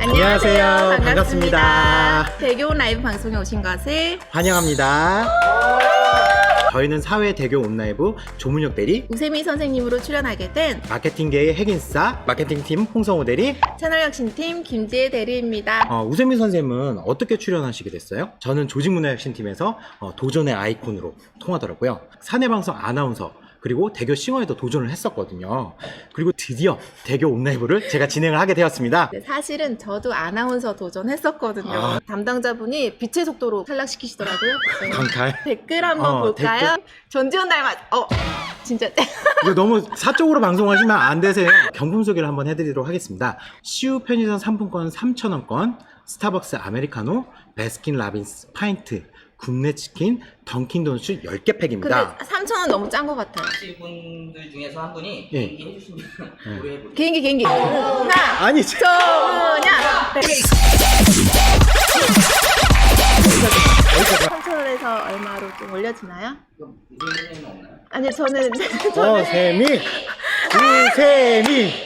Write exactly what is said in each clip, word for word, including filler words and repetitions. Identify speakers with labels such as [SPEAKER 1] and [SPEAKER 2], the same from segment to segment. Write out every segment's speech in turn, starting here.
[SPEAKER 1] 안녕하세요.
[SPEAKER 2] 반갑습니다.
[SPEAKER 1] 반갑습니다.
[SPEAKER 2] 대교 라이브 방송에 오신 것을
[SPEAKER 1] 환영합니다. 저희는 사회 대교 온라이브 조문혁 대리,
[SPEAKER 2] 우세미 선생님으로 출연하게 된
[SPEAKER 1] 마케팅계의 핵인싸 마케팅팀 홍성호 대리,
[SPEAKER 2] 채널 혁신팀 김지혜 대리입니다.
[SPEAKER 1] 어, 우세미 선생님은 어떻게 출연하시게 됐어요? 저는 조직문화혁신팀에서 어, 도전의 아이콘으로 통하더라고요. 사내방송 아나운서 그리고 대교 싱어에도 도전을 했었거든요. 그리고 드디어 대교 온라이브를 제가 진행을 하게 되었습니다.
[SPEAKER 2] 네, 사실은 저도 아나운서 도전했었거든요.
[SPEAKER 1] 아.
[SPEAKER 2] 담당자분이 빛의 속도로 탈락시키시더라고요. 네.
[SPEAKER 1] 강탈.
[SPEAKER 2] 댓글 한번
[SPEAKER 1] 어,
[SPEAKER 2] 볼까요? 전지현 닮았. 어, 진짜.
[SPEAKER 1] 이거 너무 사적으로 방송하시면 안 되세요. 경품 소개를 한번 해드리도록 하겠습니다. 씨유 편의점 상품권 삼천 원권, 스타벅스 아메리카노, 베스킨 라빈스 파인트, 굽네 치킨, 던킨 도넛 열 개 팩입니다.
[SPEAKER 2] 근데 삼천 원 너무 짠 것 같아요.
[SPEAKER 3] 하실 분들 중에서 한 분이
[SPEAKER 1] 예.
[SPEAKER 3] 개인기 해주시면
[SPEAKER 1] 예.
[SPEAKER 3] 우리 해볼게요.
[SPEAKER 2] 개인기 개인기. 하나,
[SPEAKER 1] 아니, 저-
[SPEAKER 2] 조문야. 삼천 원에서 얼마로 좀 올려지나요?
[SPEAKER 3] 그럼 이재민 없나요?
[SPEAKER 2] 아니 저는
[SPEAKER 1] 우세미, 우세미.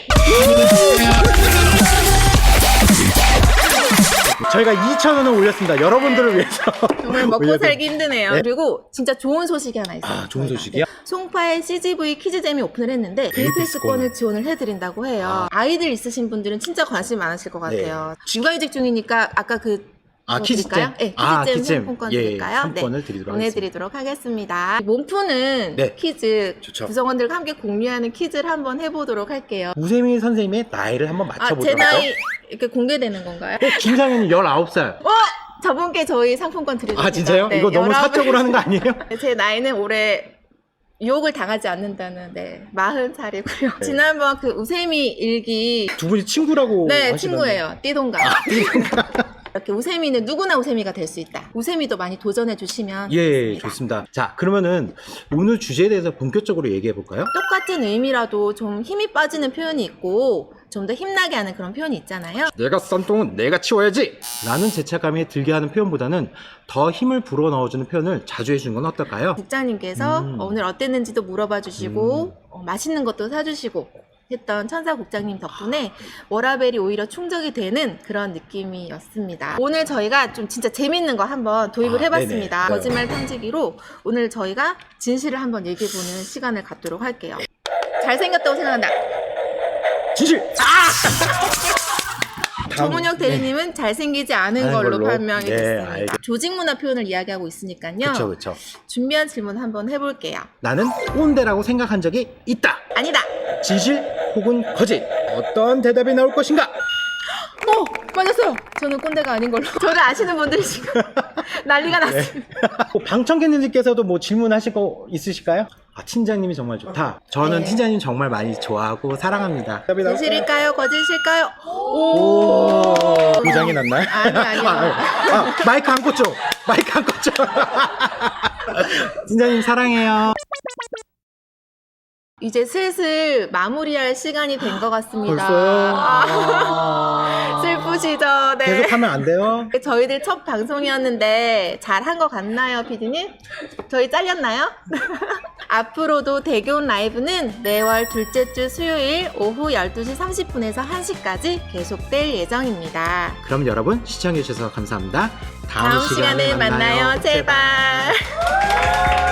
[SPEAKER 1] 저희가 이천 원을 올렸습니다. 여러분들을 위해서.
[SPEAKER 2] 정말 먹고
[SPEAKER 1] 올려드릴-
[SPEAKER 2] 살기 힘드네요.
[SPEAKER 1] 네.
[SPEAKER 2] 그리고 진짜 좋은 소식이 하나 있어요.
[SPEAKER 1] 아, 좋은
[SPEAKER 2] 저희가.
[SPEAKER 1] 소식이요?
[SPEAKER 2] 송파의 씨지브이 퀴즈잼이 오픈을 했는데 데이패스권을 지원을 해드린다고 해요. 아. 이들 있으신 분들은 진짜 관심 많으실 것 같아요. 육아휴직 중이니까 아까 그
[SPEAKER 1] 아,
[SPEAKER 2] 뭐
[SPEAKER 1] 키즈잼.
[SPEAKER 2] 드릴까요? 네,
[SPEAKER 1] 아,
[SPEAKER 2] 키즈잼
[SPEAKER 1] 키즈잼.
[SPEAKER 2] 상품권
[SPEAKER 1] 예,
[SPEAKER 2] 드릴까요?
[SPEAKER 1] 상품권을
[SPEAKER 2] 네,
[SPEAKER 1] 드리도록
[SPEAKER 2] 보내드리도록 하겠습니다. 몸푸는
[SPEAKER 1] 네.
[SPEAKER 2] 퀴즈
[SPEAKER 1] 좋죠.
[SPEAKER 2] 구성원들과 함께 공유하는 퀴즈를 한번 해보도록 할게요.
[SPEAKER 1] 우세미 선생님의 나이를 한번
[SPEAKER 2] 아, 제
[SPEAKER 1] 맞춰보도록
[SPEAKER 2] 나이
[SPEAKER 1] 할까요?
[SPEAKER 2] 이렇게 공개되는 건가요?
[SPEAKER 1] 어, 김상현이 열아홉 살.
[SPEAKER 2] 어! 저분께 저희 상품권 드리겠습니다.
[SPEAKER 1] 아, 진짜요?
[SPEAKER 2] 네,
[SPEAKER 1] 이거 너무
[SPEAKER 2] 열아홉
[SPEAKER 1] 사적으로 하는 거 아니에요?
[SPEAKER 2] 제 나이는 올해 유혹을 당하지 않는다는 네 마흔 살이고요.
[SPEAKER 1] 네.
[SPEAKER 2] 지난번 그 우세미 일기
[SPEAKER 1] 두 분이 친구라고
[SPEAKER 2] 네
[SPEAKER 1] 하시던데.
[SPEAKER 2] 친구예요. 띠동갑. 이렇게 우세미는 누구나 우세미가 될 수 있다. 우세미도 많이 도전해 주시면
[SPEAKER 1] 예,
[SPEAKER 2] 좋겠습니다.
[SPEAKER 1] 좋습니다. 자, 그러면은 오늘 주제에 대해서 본격적으로 얘기해 볼까요?
[SPEAKER 2] 똑같은 의미라도 좀 힘이 빠지는 표현이 있고 좀 더 힘나게 하는 그런 표현이 있잖아요.
[SPEAKER 1] 내가 싼 똥은 내가 치워야지! 라는 죄책감이 들게 하는 표현보다는 더 힘을 불어 넣어주는 표현을 자주 해주는 건 어떨까요?
[SPEAKER 2] 국장님께서
[SPEAKER 1] 음.
[SPEAKER 2] 어, 오늘 어땠는지도 물어봐 주시고
[SPEAKER 1] 음.
[SPEAKER 2] 어, 맛있는 것도 사주시고 했던 천사 국장님 덕분에 워라벨이 오히려 충족이 되는 그런 느낌이었습니다. 오늘 저희가 좀 진짜 재밌는 거 한번 도입을
[SPEAKER 1] 아,
[SPEAKER 2] 해봤습니다.
[SPEAKER 1] 네네.
[SPEAKER 2] 거짓말 탐지기로 오늘 저희가 진실을 한번 얘기해보는 시간을 갖도록 할게요. 잘생겼다고 생각한다.
[SPEAKER 1] 진실! 다음-
[SPEAKER 2] 조문혁 대리님은 잘생기지 않은
[SPEAKER 1] 하는
[SPEAKER 2] 걸로,
[SPEAKER 1] 걸로?
[SPEAKER 2] 판명이
[SPEAKER 1] 네,
[SPEAKER 2] 됐습니다.
[SPEAKER 1] 알겠-
[SPEAKER 2] 조직 문화 표현을 이야기하고 있으니까요.
[SPEAKER 1] 그쵸, 그쵸.
[SPEAKER 2] 준비한 질문 한번 해볼게요.
[SPEAKER 1] 나는 꼰대라고 생각한 적이 있다.
[SPEAKER 2] 아니다.
[SPEAKER 1] 진실 혹은 거짓. 어떤 대답이 나올 것인가?
[SPEAKER 2] 어! 맞았어요. 저는 꼰대가 아닌 걸로. 저를 아시는 분들이 지금 난리가 났습니다.
[SPEAKER 1] 방청객님들께서도 뭐 질문하실 거 있으실까요? 아, 팀장님이 정말 좋다. 저는
[SPEAKER 2] 네.
[SPEAKER 1] 팀장님 정말 많이 좋아하고 사랑합니다.
[SPEAKER 2] 진실일까요? 거짓일까요?
[SPEAKER 1] 오, 고장이 났나요?
[SPEAKER 2] 아니, 아니요.
[SPEAKER 1] 아, 아, 마이크 안 꽂죠? 마이크 안 꽂죠? 팀장님 사랑해요.
[SPEAKER 2] 이제 슬슬 마무리할 시간이 된 것 같습니다.
[SPEAKER 1] 벌써요?
[SPEAKER 2] 아,
[SPEAKER 1] 아...
[SPEAKER 2] 슬프시죠? 네.
[SPEAKER 1] 계속하면 안 돼요?
[SPEAKER 2] 저희들 첫 방송이었는데 잘한 것 같나요, 피디님? 저희 잘렸나요? 앞으로도 대교온 라이브는 매월 둘째 주 수요일 오후 열두 시 삼십 분에서 한 시까지 계속될 예정입니다.
[SPEAKER 1] 그럼 여러분 시청해주셔서 감사합니다. 다음,
[SPEAKER 2] 다음 시간에 만나요, 제발.